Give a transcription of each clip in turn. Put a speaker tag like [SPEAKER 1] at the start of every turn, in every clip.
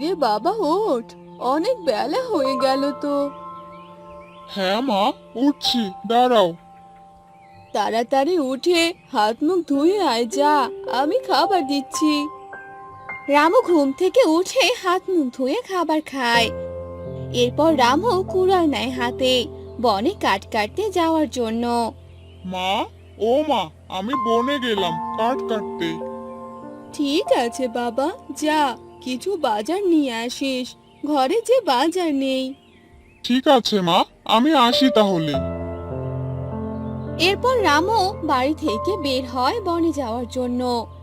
[SPEAKER 1] আরে বাবা ওঠ, অনেক বেলা হয়ে গেল তো।
[SPEAKER 2] হ্যাঁ মা, উঠছি, দাঁড়াও।
[SPEAKER 1] তাড়াতাড়ি উঠে হাত মুখ ধুয়ে আয়, যা, আমি খাবার দিচ্ছি। রামু ঘুম থেকে উঠে হাত মুখ ধুয়ে খাবার খায়। এরপর রামু কুড়াল নেয় হাতে বনে কাঠ কাটতে যাওয়ার জন্য।
[SPEAKER 2] মা, ও মা, আমি বনে গেলাম কাঠ কাটতে।
[SPEAKER 1] ঠিক আছে বাবা, যা, কিছু বাজার নিয়ে আসিস, ঘরে যে বাজার নেই।
[SPEAKER 2] ঠিক আছে মা, আমি আসি তাহলে।
[SPEAKER 1] এরপর রামু বাড়ি থেকে বের হয় বনে যাওয়ার জন্য।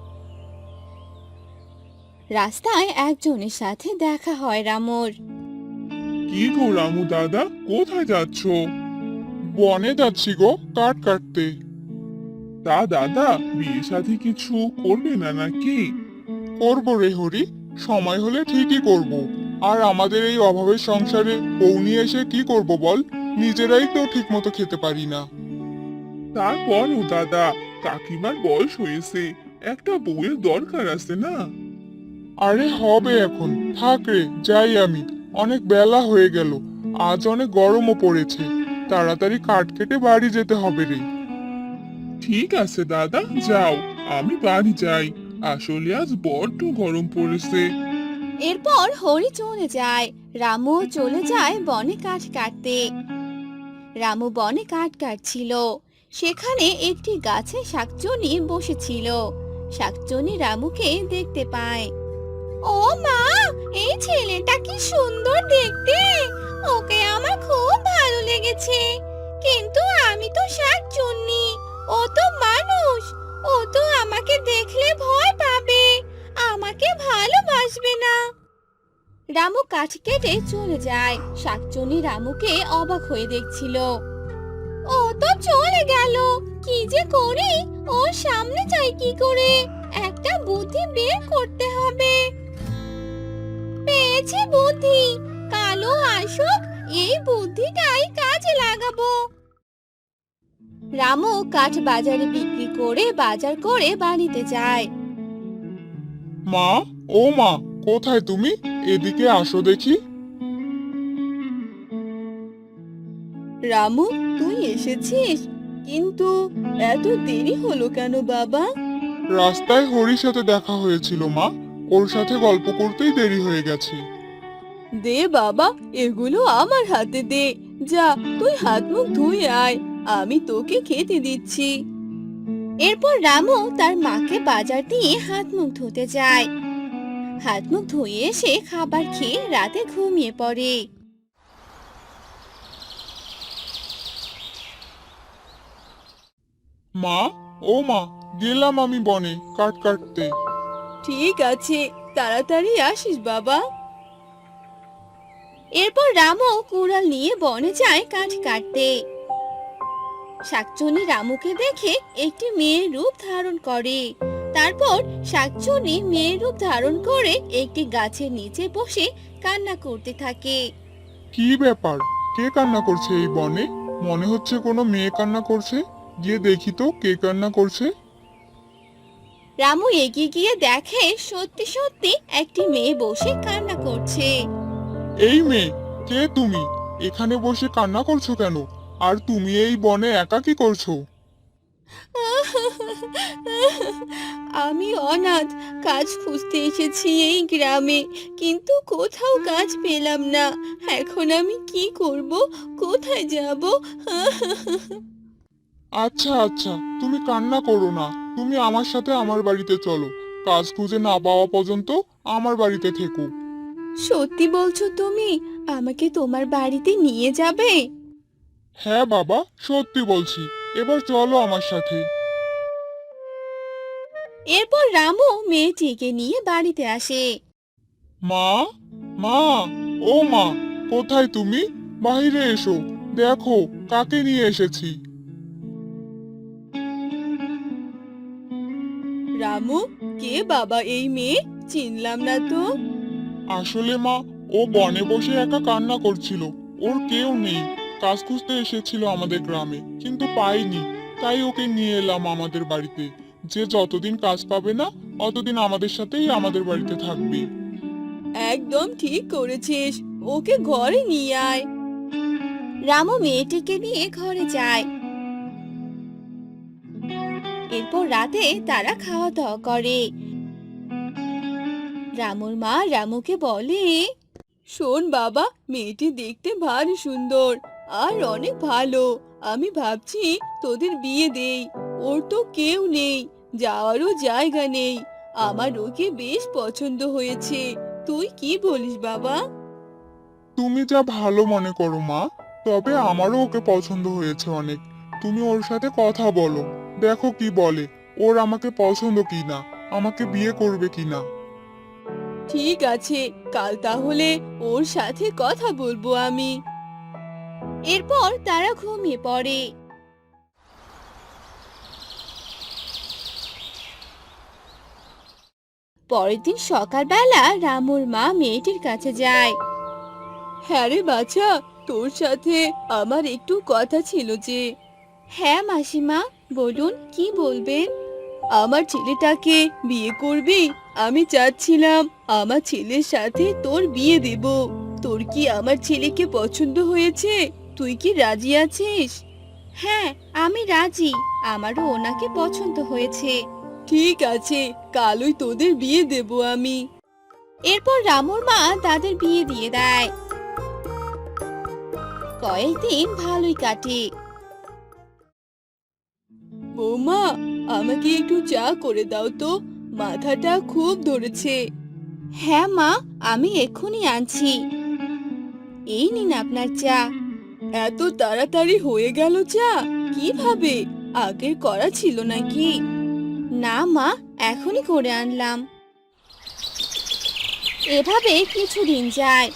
[SPEAKER 1] রাস্তায় একজনের সাথে দেখা হয় রামুর।
[SPEAKER 2] কি গো রামু দাদা, কোথায় যাচ্ছ? বনে যাচ্ছি গো, কাঠ কাটতে। তা দাদা, বিয়ে শাদী কিছু করবে না নাকি? করবো রে হরি, সময় হলে ঠিকই করব। আর আমাদের এই অভাবের সংসারে বউ নিয়ে এসে কি করব বল? নিজেরাই তো ঠিক মতো খেতে পারি না। তারপরও দাদা, কাকিমার বয়স হয়েছে, একটা বউয়ের দরকার আছে না? আরে হবে এখন, থাক রে, যাই আমি। অনেক বেলা হয়ে গেল, আজ অনেক গরমও পড়েছে। তাড়াতাড়ি কাঠ কেটে বাড়ি যেতে হবে রে। ঠিক আছে দাদা, যাও, আমি বাড়ি যাই। আসলে আজ বড্ড গরম পড়েছে।
[SPEAKER 1] এরপর হরি চলে যায়, রামু চলে যায় বনে কাঠ কাটতে। রামু বনে কাঠ কাটছিল, সেখানে একটি গাছে শাকচুনি বসেছিল। শাকচুনি রামুকে দেখতে পায়। ও মা, এই ছেলেটা কি সুন্দর দেখতে, ওকে আমার খুব ভালো লেগেছে। কিন্তু আমি তো শাকচুন্নি, ও তো মানুষ, ও তো আমাকে দেখলে ভয় পাবে, আমাকে ভালোবাসবে না। রামু কাঠ কেটে চলে যায়, শাকচুন্নি রামুকে অবাক হয়ে দেখছিল। ও তো চলে গেল, কি যে করি, ওর সামনে যাই কি করে, একটা বুদ্ধি বের করতে হবে। পেয়েছি বুদ্ধি, কালো আসুক, এই বুদ্ধিটাই কাজে লাগাবো। রামু কাঠ বাজারে বিক্রি করে বাজার করে বাড়িতে যায়।
[SPEAKER 2] মা, ও মা, কোথায় তুমি? এদিকে আসো দেখি।
[SPEAKER 1] রামু, তুই এসেছিস, কিন্তু এত দেরি হলো কেন বাবা?
[SPEAKER 2] রাস্তায় হরির সাথে দেখা হয়েছিল মা, ওর সাথে গল্প করতেই দেরি হয়ে গেছে।
[SPEAKER 1] দে বাবা, এগুলো আমার হাতে দে, যা, তুই হাত মুখ ধুয়ে আয়, আমি তোকে খেতে দিচ্ছি। এরপর রামু তার মাকে বাজার দিয়ে হাত মুখ ধুতে যায়। হাত মুখ ধুয়ে এসে খাবার খেয়ে রাতে ঘুমিয়ে পড়ে।
[SPEAKER 2] মা, ও মা, গেলাম আমি বনে কাঠ কাটতে।
[SPEAKER 1] ঠিক আছে, তাড়াতাড়ি আসিস বাবা। এরপর রামু কুড়াল নিয়ে বনে যায় কাঠ কাটতে। শাকচুনি রামুকে দেখে একটি মেয়ের রূপ ধারণ করে। তারপর শাকচুনি মেয়ের রূপ ধারণ করে একটি গাছের নিচে বসে কান্না করতে থাকে।
[SPEAKER 2] কি ব্যাপার? কে কান্না করছে এই বনে? মনে হচ্ছে কোনো মেয়ে কান্না করছে। গিয়ে দেখি তো কে কান্না করছে।
[SPEAKER 1] রামু এগিয়ে গিয়ে দেখে সত্যি সত্যি একটি মেয়ে বসে কান্না করছে।
[SPEAKER 2] এই মেয়ে, কে তুমি? এখানে বসে কান্না করছো কেন? আর তুমি এই বনে একা কি করছো?
[SPEAKER 1] আমি অনাথ, কাজ খুঁজতে এসেছি এই গ্রামে, কিন্তু কোথাও কাজ পেলাম না। এখন আমি কি করব, কোথায় যাব?
[SPEAKER 2] আচ্ছা আচ্ছা, তুমি কান্না করো না। তুমি আমার সাথে আমার বাড়িতে চলো। কাজ খুঁজে না পাওয়া পর্যন্ত আমার বাড়িতে থেকো।
[SPEAKER 1] সত্যি বলছো তুমি? আমাকে তোমার বাড়িতে নিয়ে যাবে?
[SPEAKER 2] হ্যাঁ বাবা, সত্যি বলছি। এবার চলো আমার সাথে।
[SPEAKER 1] এরপর রামু মেয়েটিকে নিয়ে বাড়িতে আসে।
[SPEAKER 2] মা, মা, ও মা, কোথায় তুমি? বাইরে এসো, দেখো কাকে নিয়ে এসেছি।
[SPEAKER 1] রামু, কে বাবা এই মেয়ে? চিনলাম না তো।
[SPEAKER 2] আসলে মা, ও বনে বসে একা কান্না করছিল। ওর কেউ নেই। কাজ খুঁজতে এসেছিল আমাদের গ্রামে, কিন্তু পাইনি। তাই ওকে নিয়ে এলাম আমাদের বাড়িতে। যে যতদিন কাজ পাবে না, অতদিন আমাদের সাথেই আমাদের বাড়িতে থাকবে।
[SPEAKER 1] একদম ঠিক করেছিস, ওকে ঘরে নিয়ে আয়। রামু মেয়েটিকে নিয়ে ঘরে যায়। এরপর রাতে তারা খাওয়া দাওয়া করে। রামুর মা রামুকে বলে, শোন বাবা, মেয়েটি দেখতে ভারী সুন্দর আর অনেক ভালো। আমি ভাবছি তোদের বিয়ে দেই। ওর তো কেউ নেই, যাওয়ারও জায়গা নেই। আমার ওকে বেশ পছন্দ হয়েছে। তুই কি বলিস বাবা?
[SPEAKER 2] তুমি যা ভালো মনে করো মা, তবে আমারও ওকে পছন্দ হয়েছে অনেক। তুমি ওর সাথে কথা বলো, দেখো কি বলে। ওর আমাকে পছন্দ কিনা, আমাকে বিয়ে করবে কিনা।
[SPEAKER 1] ঠিক আছে, কাল তাহলে ওর সাথে কথা বলবো আমি। এরপর তারা ঘুমিয়ে পড়ে। পরের দিন সকালবেলা রামুর মা মেয়েটির কাছে যায়। হ্যাঁ রে বাছা, তোর সাথে আমার একটু কথা ছিল যে। হ্যাঁ মাসিমা, বলুন কি বলবেন? আমার ছেলেটাকে বিয়ে করবি? আমি চাচ্ছিলাম আমার ছেলের সাথে তোর বিয়ে দেব। তোর কি আমার ছেলেকে পছন্দ হয়েছে? তুই কি রাজি আছিস? হ্যাঁ, আমি রাজি। আমারও ওনাকে পছন্দ হয়েছে। ঠিক আছে, কালই তোদের বিয়ে দেব আমি। এরপর রামুর মা তাদের বিয়ে দিয়ে দেয়। কয়েকদিন ভালোই কাটে। বৌমা, আমাকে একটু চা করে দাও তো, মাথাটা খুব ধরেছে। হ্যাঁ মা, আমি এক্ষুনি আনছি। এই নিন আপনার চা। এত তাড়াতাড়ি হয়ে গেল চা? কিভাবে? আগের করা ছিল নাকি? না মা, এখনই করে আনলাম। এভাবে কিছুদিন যায়।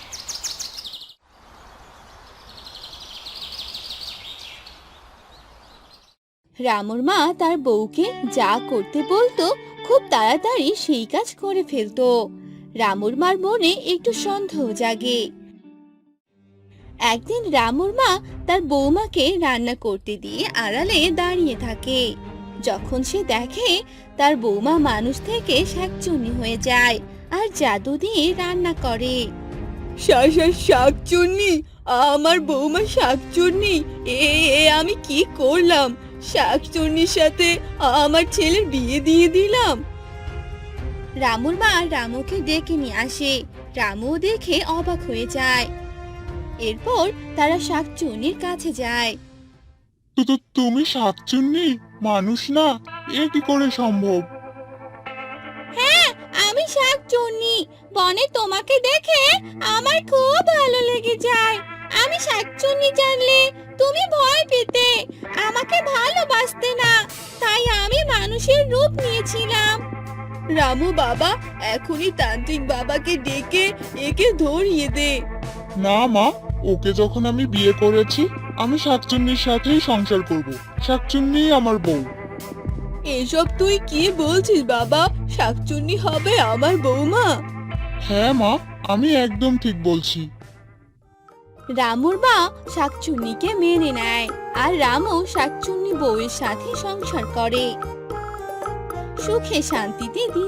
[SPEAKER 1] রামুর মা তার বউকে যা করতে বলতো খুব তাড়াতাড়ি সেই কাজ করে ফেলতো। রামুর মার মনে একটু সন্দেহ জাগে। একদিন রামুর মা তার বৌমাকে রান্না করতে দিয়ে আড়ালে দাঁড়িয়ে থাকে। যখন সে দেখে তার বৌমা মানুষ থেকে শাকচুন্নি হয়ে যায় আর জাদু দিয়ে রান্না করে। শাকচুন্নি? আমার বৌমা শাকচুন্নি? এ এ আমি কি করলাম? শাকচুন্নির সাথে আমার ছেলের বিয়ে দিয়ে দিলাম। রামুর মা রামুকে ডেকে নিয়ে আসে। রামু দেখে অবাক হয়ে যায়। এরপর তারা শাকচুন্নির কাছে যায়।
[SPEAKER 2] তুমি শাকচুন্নি, মানুষ না? এ কি করে সম্ভব?
[SPEAKER 1] হ্যাঁ, আমি শাকচুন্নি। বনে তোমাকে দেখে আমার খুব ভালো লেগে যায়। আমি শাকচুন্নি জানলে তুমি ভয় পেতে, আমাকে ভালোবাসতে না, তাই আমি মানুষের রূপ নিয়েছিলাম। রামু বাবা, এখনই তান্ত্রিক বাবাকে ডেকে একে ধরিয়ে দে।
[SPEAKER 2] না মা, ওকে যখন আমি বিয়ে করেছি, আমি শাকচুন্নির সাথেই সংসার করব। শাকচুন্নি আমার বউ।
[SPEAKER 1] এসব তুই কি বলছিস বাবা? শাকচুন্নি হবে আমার বৌমা?
[SPEAKER 2] হ্যাঁ মা, আমি একদম ঠিক বলছি।
[SPEAKER 1] রামুর মা শাকচুন্নিকে মেনে নেয় আর রামু শাকচুন্নি বউয়ের সাথে সংসার করে। সুখে শান্তিতে দিন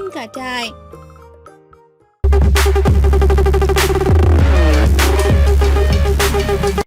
[SPEAKER 1] কাটায়।